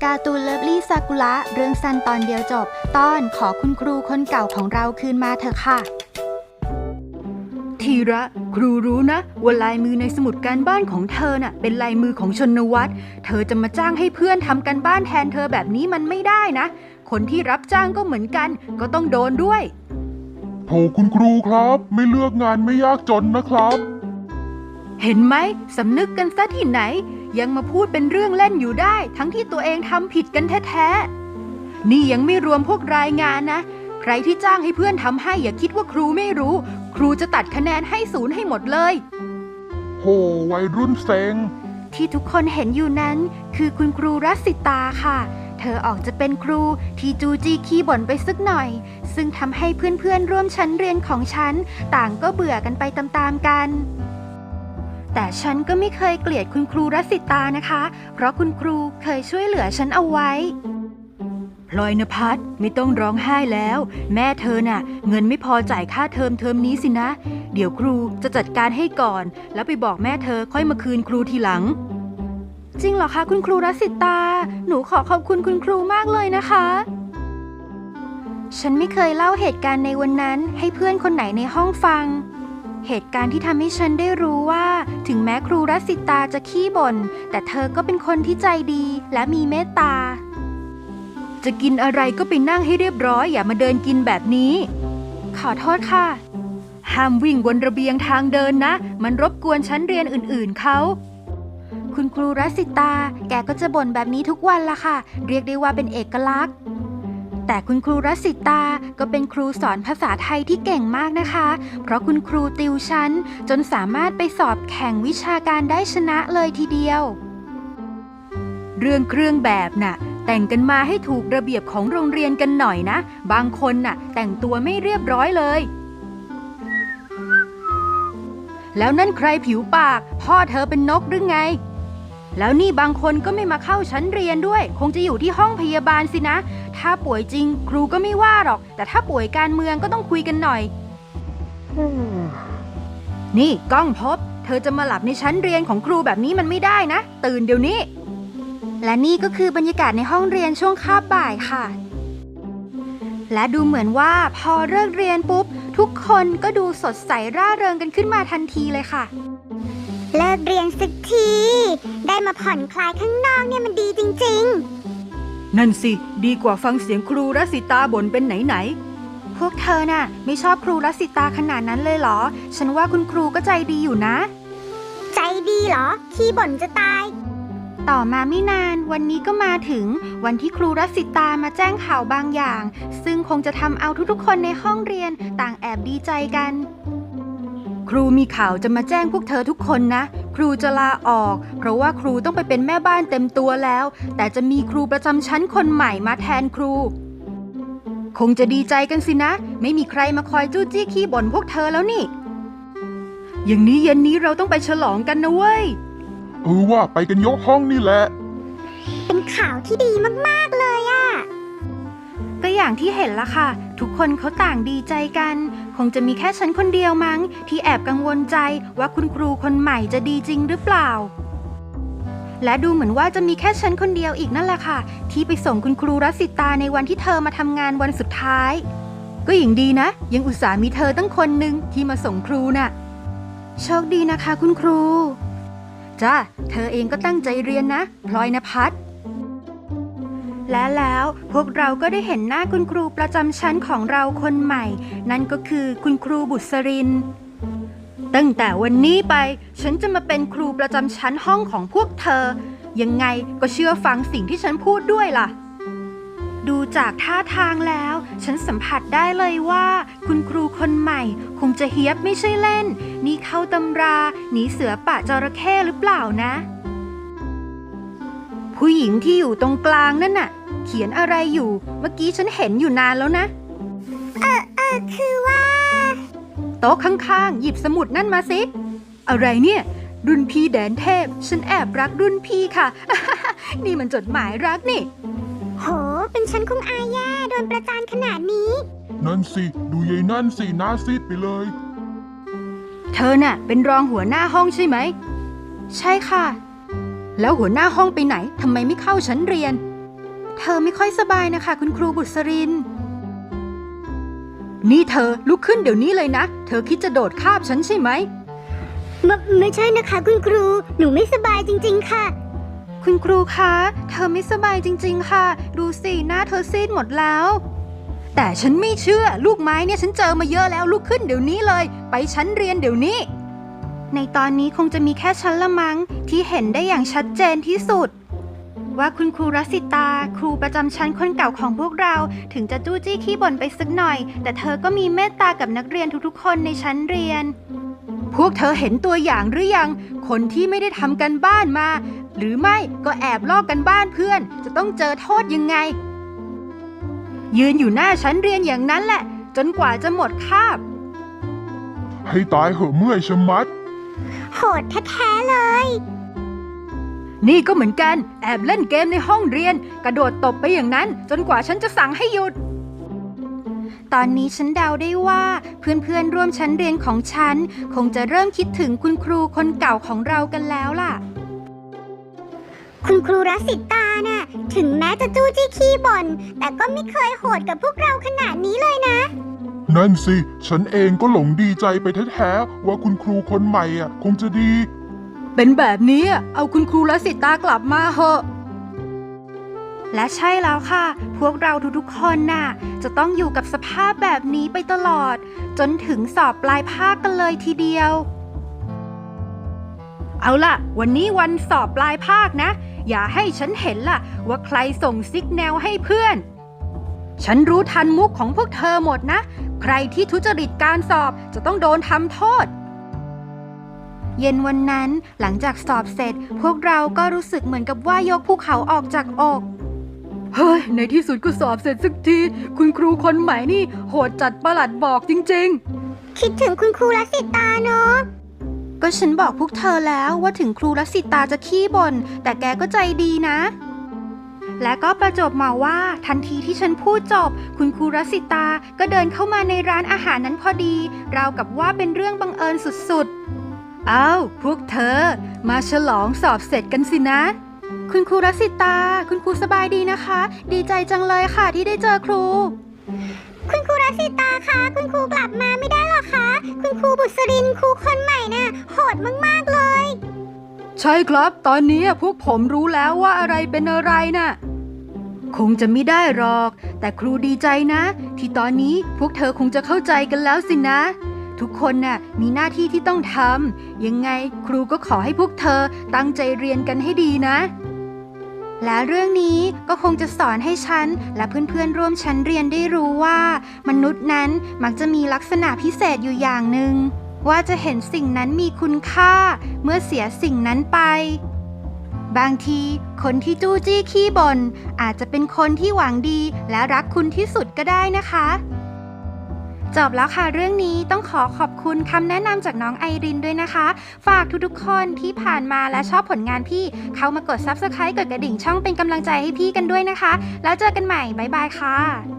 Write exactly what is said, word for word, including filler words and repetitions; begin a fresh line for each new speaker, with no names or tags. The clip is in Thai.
การ์ตูนเลิฟลี่ซากุระเรื่องสั้นตอนเดียวจบตอนขอคุณครูคนเก่าของเราคืนมาเถอะค่ะ
ทีระครูรู้นะว่าลายมือในสมุดการบ้านของเธอน่ะเป็นลายมือของชนวัตรเธอจะมาจ้างให้เพื่อนทำการบ้านแทนเธอแบบนี้มันไม่ได้นะคนที่รับจ้างก็เหมือนกันก็ต้องโดนด้วย
โถคุณครูครับไม่เลือกงานไม่ยากจนนะครับ
เห็นไหมสำนึกกันซะที่ไหนยังมาพูดเป็นเรื่องเล่นอยู่ได้ทั้งที่ตัวเองทำผิดกันแท้ๆนี่ยังไม่รวมพวกรายงานนะใครที่จ้างให้เพื่อนทำให้อย่าคิดว่าครูไม่รู้ครูจะตัดคะแนนให้ศูนย์ให้หมดเลย
โหวัยรุ่นเซ็ง
ที่ทุกคนเห็นอยู่นั้นคือคุณครูรัสสิตาค่ะเธอออกจะเป็นครูที่จูจีขี้บ่นไปสักหน่อยซึ่งทำให้เพื่อนๆร่วมชั้นเรียนของฉันต่างก็เบื่อกันไปตามๆกันแต่ฉันก็ไม่เคยเกลียดคุณครูรัสสิตานะคะเพราะคุณครูเคยช่วยเหลือฉันเอาไว้
พลอยณภัสไม่ต้องร้องไห้แล้วแม่เธอน่ะเงินไม่พอจ่ายค่าเทอมเทอมนี้สินะเดี๋ยวครูจะจัดการให้ก่อนแล้วไปบอกแม่เธอค่อยมาคืนครูทีหลัง
จริงเหรอคะคุณครูรัสสิตาหนูขอขอบคุณคุณครูมากเลยนะคะฉันไม่เคยเล่าเหตุการณ์ในวันนั้นให้เพื่อนคนไหนในห้องฟังเหตุการณ์ที่ทำให้ฉันได้รู้ว่าถึงแม้ครูรัสสิตาจะขี้บ่นแต่เธอก็เป็นคนที่ใจดีและมีเมตตา
จะกินอะไรก็ไปนั่งให้เรียบร้อยอย่ามาเดินกินแบบนี้
ขอโทษค่ะ
ห้ามวิ่งบนระเบียงทางเดินนะมันรบกวนชั้นเรียนอื่นๆเขา
คุณครูรัสสิตาแกก็จะบ่นแบบนี้ทุกวันละค่ะเรียกได้ว่าเป็นเอกลักษณ์แต่คุณครูรัสสิตาก็เป็นครูสอนภาษาไทยที่เก่งมากนะคะเพราะคุณครูติวชั้นจนสามารถไปสอบแข่งวิชาการได้ชนะเลยทีเดียว
เรื่องเครื่องแบบน่ะแต่งกันมาให้ถูกระเบียบของโรงเรียนกันหน่อยนะบางคนน่ะแต่งตัวไม่เรียบร้อยเลยแล้วนั่นใครผิวปากพ่อเธอเป็นนกหรือไงแล้วนี่บางคนก็ไม่มาเข้าชั้นเรียนด้วยคงจะอยู่ที่ห้องพยาบาลสินะถ้าป่วยจริงครูก็ไม่ว่าหรอกแต่ถ้าป่วยการเมืองก็ต้องคุยกันหน่อย นี่ก้องพบเธอจะมาหลับในชั้นเรียนของครูแบบนี้มันไม่ได้นะตื่นเดี๋ยวนี้
และนี่ก็คือบรรยากาศในห้องเรียนช่วงคาบบ่ายค่ะและดูเหมือนว่าพอเลิกเรียนปุ๊บทุกคนก็ดูสดใสร่าเริงกันขึ้นมาทันทีเลยค่ะ
เลิกเรียนสักทีได้มาผ่อนคลายข้างนอกเนี่ยมันดีจริง
ๆนั่นสิดีกว่าฟังเสียงครูรัสสิตาบ่นเป็นไหน
ๆพวกเธอน่ะไม่ชอบครูรัสสิตาขนาดนั้นเลยเหรอฉันว่าคุณครูก็ใจดีอยู่นะ
ใจดีเหรอขี้บ่นจะตาย
ต่อมาไม่นานวันนี้ก็มาถึงวันที่ครูรัสสิตามาแจ้งข่าวบางอย่างซึ่งคงจะทำเอาทุกๆคนในห้องเรียนต่างแอบดีใจกัน
ครูมีข่าวจะมาแจ้งพวกเธอทุกคนนะครูจะลาออกเพราะว่าครูต้องไปเป็นแม่บ้านเต็มตัวแล้วแต่จะมีครูประจำชั้นคนใหม่มาแทนครูคงจะดีใจกันสินะไม่มีใครมาคอยจู้จี้ขี้บ่นพวกเธอแล้วนี่อย่างนี้เย็นนี้เราต้องไปฉลองกันนะเว้ย
เออว่าไปกันยกห้องนี่แหละ
เป็นข่าวที่ดีมากๆเลยอะ
ก็อย่างที่เห็นละค่ะทุกคนเขาต่างดีใจกันคงจะมีแค่ฉันคนเดียวมั้งที่แอบกังวลใจว่าคุณครูคนใหม่จะดีจริงหรือเปล่าและดูเหมือนว่าจะมีแค่ฉันคนเดียวอีกนั่นแหละค่ะที่ไปส่งคุณครูรัสสิตาในวันที่เธอมาทำงานวันสุดท้าย
ก็อย่างดีนะยังอุตส่าห์มีเธอตั้งคนหนึ่งที่มาส่งครูน่ะ
โชคดีนะคะคุณครู
จ้าเธอเองก็ตั้งใจเรียนนะพลอยณภัส
และแล้วพวกเราก็ได้เห็นหน้าคุณครูประจำชั้นของเราคนใหม่นั่นก็คือคุณครูบุษริน
ตั้งแต่วันนี้ไปฉันจะมาเป็นครูประจำชั้นห้องของพวกเธอยังไงก็เชื่อฟังสิ่งที่ฉันพูดด้วยล่ะ
ดูจากท่าทางแล้วฉันสัมผัสได้เลยว่าคุณครูคนใหม่คงจะเฮี้ยบไม่ใช่เล่นนี่เข้าตำราหนีเสือป่าจระเข้หรือเปล่านะ
ผู้หญิงที่อยู่ตรงกลางนั่นน่ะเขียนอะไรอยู่เมื่อกี้ฉันเห็นอยู่นานแล้วนะ
เออเออคือว่า
โต๊ะข้างๆหยิบสมุดนั่นมาสิอะไรเนี่ยรุ่นพี่แดนเทพฉันแอบรักรุ่นพี่ค่ะ นี่มันจดหมายรักนี่
โหเป็นฉันคงอายแย่โดนประจานขนาดนี้
นั่นสิดูยายนั่นสิหน้าซีดไปเลย
เธอน่ะเป็นรองหัวหน้าห้องใช่ไหม
ใช่ค่ะ
แล้วหัวหน้าห้องไปไหนทำไมไม่เข้าชั้นเรียนเธอไม่ค่อยสบายนะคะคุณครูบุษรินนี่เธอลุกขึ้นเดี๋ยวนี้เลยนะเธอคิดจะโดดคาบฉันใช่ไหม
ไมไม่ใช่นะคะคุณครูหนูไม่สบายจริงๆค่ะ
คุณครูคะเธอไม่สบายจริงๆค่ะดูสิหน้าเธอซีดหมดแล้ว
แต่ฉันไม่เชื่อลูกไม้เนี่ยฉันเจอมาเยอะแล้วลุกขึ้นเดี๋ยวนี้เลยไปชั้นเรียนเดี๋ยวนี้
ในตอนนี้คงจะมีแค่ฉันละมั้งที่เห็นได้อย่างชัดเจนที่สุดว่าคุณครูรัสิตาครูประจำชั้นคนเก่าของพวกเราถึงจะจู้จี้ขี้บ่นไปสักหน่อยแต่เธอก็มีเมตตากับนักเรียนทุกๆคนในชั้นเรียน
พวกเธอเห็นตัวอย่างหรือยังคนที่ไม่ได้ทำกันบ้านมาหรือไม่ก็แอบลอกกันบ้านเพื่อนจะต้องเจอโทษยังไงยืนอยู่หน้าชั้นเรียนอย่างนั้นแหละจนกว่าจะหมดคาบ
ให้ตายเหอะเมื่อยชะมัด
โหดแท้ๆเลย
นี่ก็เหมือนกันแอบเล่นเกมในห้องเรียนกระโดดตบไปอย่างนั้นจนกว่าฉันจะสั่งให้หยุด
ตอนนี้ฉันเดาได้ว่าเพื่อนๆร่วมชั้นเรียนของฉันคงจะเริ่มคิดถึงคุณครูคนเก่าของเรากันแล้วล่ะ
คุณครูรัสิตาน่ะถึงแม้จะจู้จี้ขี้บ่นแต่ก็ไม่เคยโหดกับพวกเราขนาดนี้เลยนะ
นั่นสิฉันเองก็หลงดีใจไปแท้ๆว่าคุณครูคนใหม่อ่ะคงจะดี
เป็นแบบนี้เอาคุณครูรัสิตากลับมาเหอะ
และใช่แล้วค่ะพวกเราทุกๆคนน่ะจะต้องอยู่กับสภาพแบบนี้ไปตลอดจนถึงสอบปลายภาคกันเลยทีเดียว
เอาล่ะวันนี้วันสอบปลายภาคนะอย่าให้ฉันเห็นล่ะว่าใครส่งซิกแนลให้เพื่อนฉันรู้ทันมุกของพวกเธอหมดนะใครที่ทุจริตการสอบจะต้องโดนทำโทษ
เย็นวันนั้นหลังจากสอบเสร็จพวกเราก็รู้สึกเหมือนกับว่ายกภูเขาออกจากอก
เฮ้ยในที่สุดก็สอบเสร็จสักทีคุณครูคนใหม่นี่โหดจัดประหลัดบอกจริง
ๆคิดถึงคุณครูรัสิตาเนาะ
ก็ฉันบอกพวกเธอแล้วว่าถึงครูรัสิตาจะขี้บ่นแต่แกก็ใจดีนะและก็ประจบมาว่าทันทีที่ฉันพูดจบคุณครูรัสิตาก็เดินเข้ามาในร้านอาหารนั้นพอดีราวกับว่าเป็นเรื่องบังเอิญสุด
ๆอ้าวพวกเธอมาฉลองสอบเสร็จกันสินะ
คุณครูรัสิตาคุณครูสบายดีนะคะดีใจจังเลยค่ะที่ได้เจอครู
คุณครูรัสิตาคะคุณครูกลับมาไม่ได้หรอคะคุณครูบุษรินครูคนใหม่น่ะโหดมากๆเลย
ใช่ครับตอนนี้พวกผมรู้แล้วว่าอะไรเป็นอะไรน่ะคงจะไม่ได้หรอกแต่ครูดีใจนะที่ตอนนี้พวกเธอคงจะเข้าใจกันแล้วสินะทุกคนน่ะมีหน้าที่ที่ต้องทำยังไงครูก็ขอให้พวกเธอตั้งใจเรียนกันให้ดีนะ
และเรื่องนี้ก็คงจะสอนให้ฉันและเพื่อนๆร่วมชั้นเรียนได้รู้ว่ามนุษย์นั้นมักจะมีลักษณะพิเศษอยู่อย่างหนึ่งว่าจะเห็นสิ่งนั้นมีคุณค่าเมื่อเสียสิ่งนั้นไปบางทีคนที่จู้จี้ขี้บ่นอาจจะเป็นคนที่หวังดีและรักคุณที่สุดก็ได้นะคะจบแล้วค่ะเรื่องนี้ต้องขอขอบคุณคำแนะนำจากน้องไอรินด้วยนะคะฝากทุกๆคนที่ผ่านมาและชอบผลงานพี่เข้ามากด ซับสไครบ์ กดกระดิ่งช่องเป็นกำลังใจให้พี่กันด้วยนะคะแล้วเจอกันใหม่บ๊ายบายค่ะ